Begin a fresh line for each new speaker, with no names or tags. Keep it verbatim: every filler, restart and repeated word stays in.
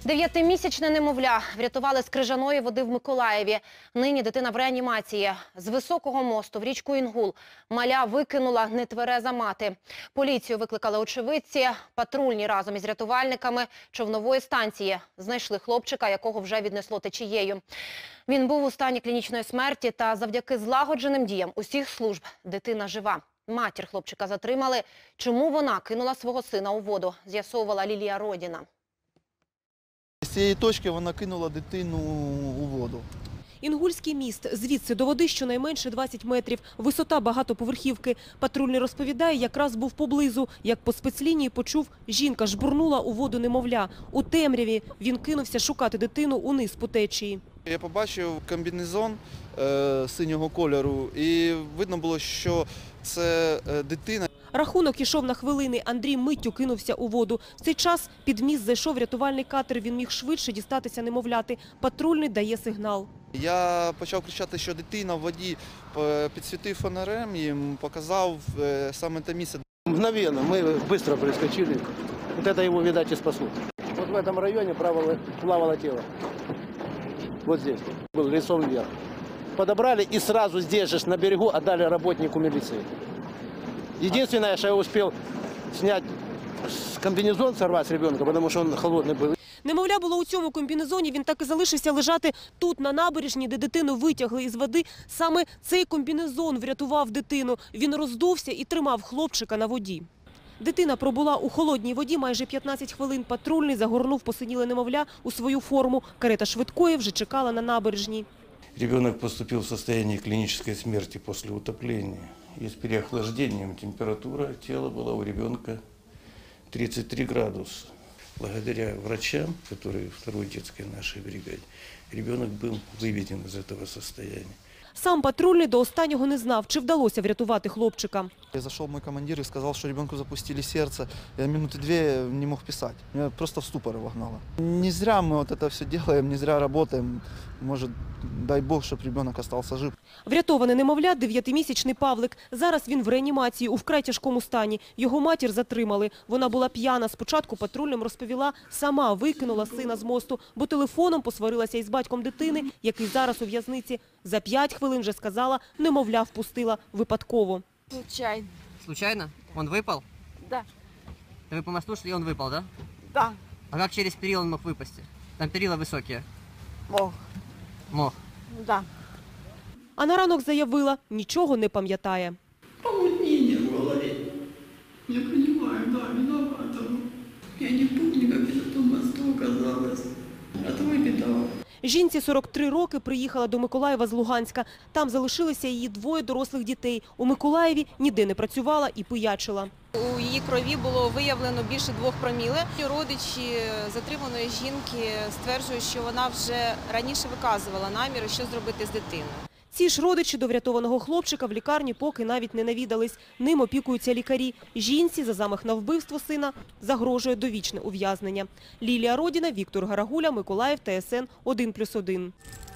Дев'ятимісячне немовля врятували з крижаної води в Миколаєві. Нині дитина в реанімації. З високого мосту в річку Інгул маля викинула нетвереза мати. Поліцію викликали очевидці. Патрульні разом із рятувальниками човнової станції знайшли хлопчика, якого вже віднесло течією. Він був у стані клінічної смерті, та завдяки злагодженим діям усіх служб дитина жива. Матір хлопчика затримали. Чому вона кинула свого сина у воду, з'ясовувала Лілія Родіна.
З цієї точки вона кинула дитину у воду.
Інгульський міст. Звідси до води щонайменше двадцять метрів. Висота багатоповерхівки. Патрульний розповідає, якраз був поблизу. Як по спецлінії почув, жінка жбурнула у воду немовля. У темряві він кинувся шукати дитину униз по течії.
Я побачив комбінезон е, синього кольору і видно було, що це е, дитина.
Рахунок ішов на хвилини. Андрій миттю кинувся у воду. В цей час під міст зайшов рятувальний катер. Він міг швидше дістатися немовляти. Патрульний дає сигнал.
Я почав кричати, що дитина в воді, підсвітив фонарем і показав саме те місце.
Мгновенно мы быстро прискочили. Вот это его, видать, и спасло. Вот в этом районе плавало, плавало тело. Вот здесь. Был лицом вверх. Подобрали и сразу здесь же на берегу отдали работнику милиции. Единственное, что я успел снять комбинезон, сорвать с ребенка, потому что он холодный был.
Немовля було у цьому комбінезоні, він так і залишився лежати тут, на набережні, де дитину витягли із води. Саме цей комбінезон врятував дитину. Він роздувся і тримав хлопчика на воді. Дитина пробула у холодній воді майже п'ятнадцять хвилин. Патрульний загорнув посиніле немовля у свою форму. Карета швидкої вже чекала на набережній.
Ребенок поступил в состояние клинической смерти после утопления. И с переохлаждением температура тела была у ребенка тридцать три градуса. Благодаря врачам, которые в второй детской нашей бригаде, ребенок был выведен из этого состояния.
Сам патрульний до останнього не знав, чи вдалося врятувати хлопчика.
Зайшов мій командир і сказав, що ребенку запустили серце. Я минуты две не мог писати. Мене просто в ступор вогнало. Не зря ми вот это все делаем, не зря работаем. Може, дай Бог, щоб ребенок залишився жив.
Врятований немовля – дев'ятимісячний Павлик. Зараз він в реанімації у вкрай тяжкому стані. Його матір затримали. Вона була п'яна. Спочатку патрульним розповіла, сама викинула сина з мосту, бо телефоном посварилася із батьком дитини, який зараз у в'язниці. За п'ять хвилин вже сказала, немовля впустила випадково.
Случайно.
Случайно? Он выпал?
Да.
Вы по мосту шли, он выпал, да?
Да.
А как через перила он мог выпасть? Там перила высокие.
Мог.
Мог.
Да.
А на ранок заявила, нічого не пам'ятає.
Помутнение в голове. Я понимаю, да, виновата. Я не помню, как я на том мосту оказалась. А твой беда.
Жінці сорок три роки, приїхала до Миколаєва з Луганська. Там залишилися її двоє дорослих дітей. У Миколаєві ніде не працювала і пиячила.
У її крові було виявлено більше двох проміле. Родичі затриманої жінки стверджують, що вона вже раніше виказувала наміри, що зробити з дитиною.
Ці ж родичі до врятованого хлопчика в лікарні поки навіть не навідались. Ним опікуються лікарі. Жінці за замах на вбивство сина загрожує довічне ув'язнення. Лілія Родіна, Віктор Гарагуля, Миколаїв, Т С Н один плюс один.